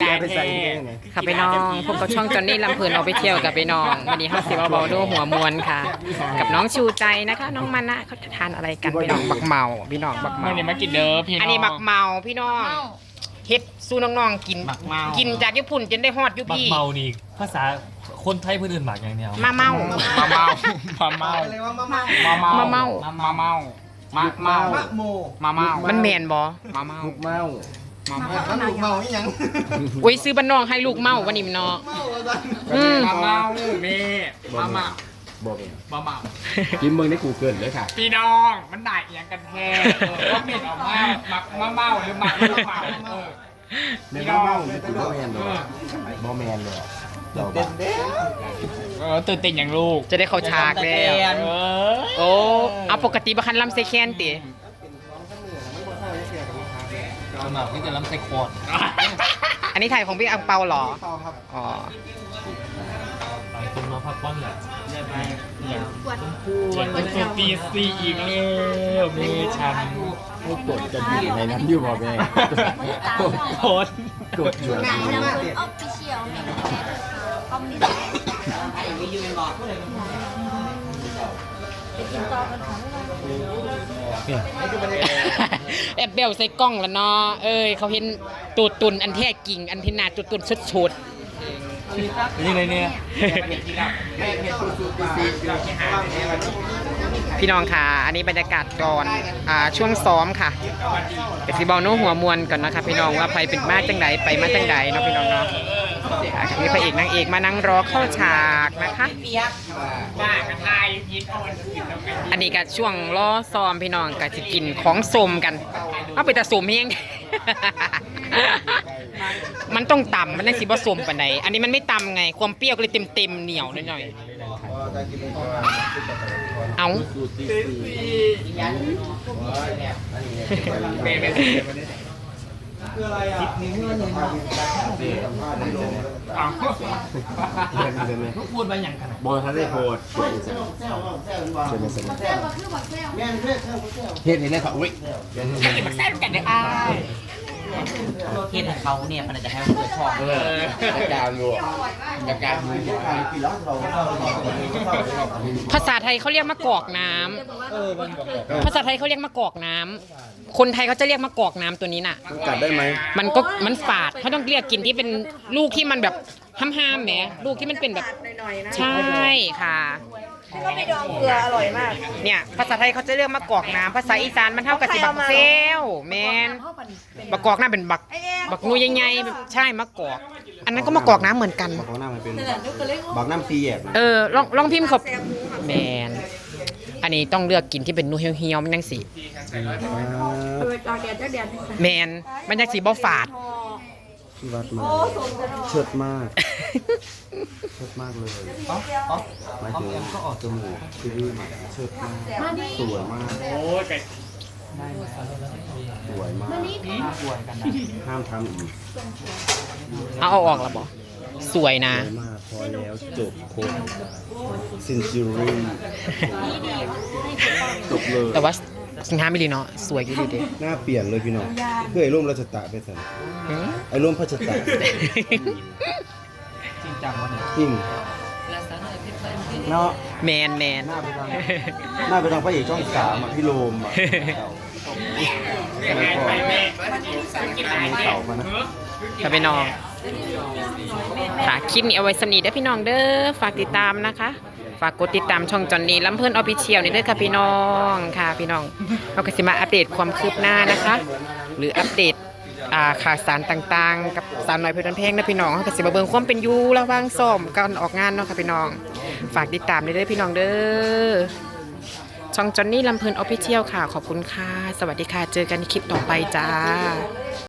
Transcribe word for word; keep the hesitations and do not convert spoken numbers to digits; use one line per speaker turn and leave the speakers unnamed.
ไปใส่
ค่ะไปน้องพบกับช่องจอนนี่ลำเพลินเอาไปเที่ยวกับไปน้องวันนี้ห้าสิบเบาๆดูหัวมวนค่ะ กับน้องชูใจนะคะ น้องมันนะเขาจะทานอะไรกันพี่น้องบักเมาพี่น้องบักเมา
เมื่อนี้มากินเด้อพี่น้อง
อันนี้บักเมาพี่น้องเฮ็ดสู้น้องๆกิน
บักเมา
กินจากญี่ปุ่นจนได้ฮอดอยู่
บัก
พี่
เมานี่ภาษาคนไทยเพื่อนอื่นหมากอย่างเดียว
มาเมา
มาเมามาเมามาเมา
มาเมา
มาเมามาเมา
มะโม
มาเมา
มันแมนบ่
มาเมา
ลูกเมา
มาเมา
ถ้าลูกเมานี่ยัง
อุ้ยซื้อบ้านน้องให้ลูกเมาวันนี้มันเนาะอืม
มาเมาแม่มาเมา
บอกเอง
มาเมา
กินเมืองในกูเกิลเลยค่ะ
พี่น้องมันได้อย่างกันแท้ว่าเม็ดออกมาหมักมาเมาหรือหมักมาเมาเออ
ในมะเมาไม่ติดบอแมนเลยบอแมนเลยเราบ้า
เออตื่นเต้นอย่างลูก
จะได้เข้าฉากแล้ว
เออ
โอ้เอาปกติบ่คันลำเซแคนติ
หมากที่จะล้ำใส่คอร์ด
อันนี้ถ่ายของพี่อังเปาเหรออ๋อ
หลายคนมาพักผ่อนแหละ
วันสุดตีสี่อีกแล้วมีฉัน
ให้กดกันอยู่ในนั้นอยู่บอแมน
โคตร
กดอยู่
หนังน้ำมันออฟฟิเชียลเนี่ยคอมมิวนิสต์
แอบเบลใส่กล้องแล้วเนาะเอ้ยเขาเห็นตูดตุนอันแท้กิ่งอันที่นาตูดตุนชุด
นี่เลยเนี่ย
ๆพี่น้องค่ะ อันนี้บรรยากาศก่อนอ่าช่วงซ้อมค่ะแต่สิบอลโน้หัวมวลก่อนนะคะพี่น้องว่าไปเป็นมาจังไดไปมาจังไดเนาะพี่น้องเนาะอ่ามีพระเอกนางเอกมานั่งรอเข้าฉากนะคะ
บ้ากระทายยินอ่อนกินแล้วกัน
อันนี้ก็ช่วงรอซ้อมพี่น้องก็จะกินของสมกันเอาไปแต่สมเฮง มันต้องต่ำมันได้สิบ่สมปานใดอันนี้มันไม่ต่ำไงความเปรี้ยวก็เลยเต็มๆเหนียวหน่อยๆเอา
เมย์เป็นอ้าว
พูดไปอย่างขนาด
บอลเขาได้โพดเดี๋ยวมาสนุกเฮ็ดเห็นได้ค่ะอุ้ย
มันแซ่บกันเลยอ่ะ
เฮ็ดให้เขาเนี่ยมันจะให้มันเกิดชอบ
เออจัดการอยู่จัดการอยู่
ภาษาไทยเขาเรียกมะกอกน้ำภาษาไทยเขาเรียกมะกอกน้ำคนไทยเขาจะเรียกมะกอกน้ำตัวนี้น่ะ
กัดได้ไหม
มันก็มันฝาดเขาต้องเรียกกินที่เป็นลูกที่มันแบบห้ามๆแหมลูกที่มันเป็นแบบใช่ค่ะ
ที่เขาไปดองเกลืออร่อยมาก
เนี่ยภาษาไทยเขาจะเรียกมะกอกน้ำภาษาอีสานมันเท่ากับสิบักเซลแมนบักกอกน้ำเป็นบักบักงูใหญ่ๆใช่มะกอก อันนั้นก็มะกอกน้ำเหมือนกัน
บอกน้ำมันเป็นบอกน้ำฟรีแอบ
เออลองลองพิมพ์เขาแมนอันนี้ต้องเลือกกินที่เป็นนูเฮียวๆมันยังสีแมนมันยังสีบ่ฝาด
ที่วัดมาเชิดมากเชิดมากเลยหมายถึงก็ออกจมูกคือใหม่เชิดมากสวยมาก
โอ้ยไก่
สวยมากห้ามทำอีก
เอาเอาออกแล้วบอสวยนะ
สวยมากพอแล้วจบโคตรซินจูรี่จบเลย
แต่ว่าสิงหาไม่ดีเนาะสวยอยู่ดีเด้
หน้าเปลี่ยนเลยพี่น้องเพื่อไอ้ร่มราชตะไปสั่นไอ้ร่มพระชตะ
จริงจังวะเนี่ย
จริงเนาะ
แมนแมน
หน้าไปทางหน้าไปทางพระเอกช่องสามอ่ะพี่โรมอ่ะแล้วก็มีเต่ามานะ
ค่ะพี่น้องค่ะคลิปนี้เอาไว้สำนีได้อพี่น้องเด้อฝากติดตามนะคะฝากกดติดตามช่องจอนนี่ลำเพิ่นออฟฟิเชียลนี่ด้วยค่ะพี่น้องค่ะพี่น้องเราก็สิมาอัปเดตความคืบหน้านะคะ หรืออัปเดตอ่าข่าวสารต่างๆ กับสาวน้อยเพชรบ้านแพงนะพี่น้องเขาก็สิมาเบิ่งความเป็นอยู่ระหว่างซ้อมการออกงานเนาะค่ะพี่น้องฝากติดตามด้วยเด้อพี่น้องเด้อช่องจอนนี่ลำเพิ่นออฟฟิเชียลค่ะขอบคุณค่ะสวัสดีค่ะเจอกันในคลิปต่อไปจ้า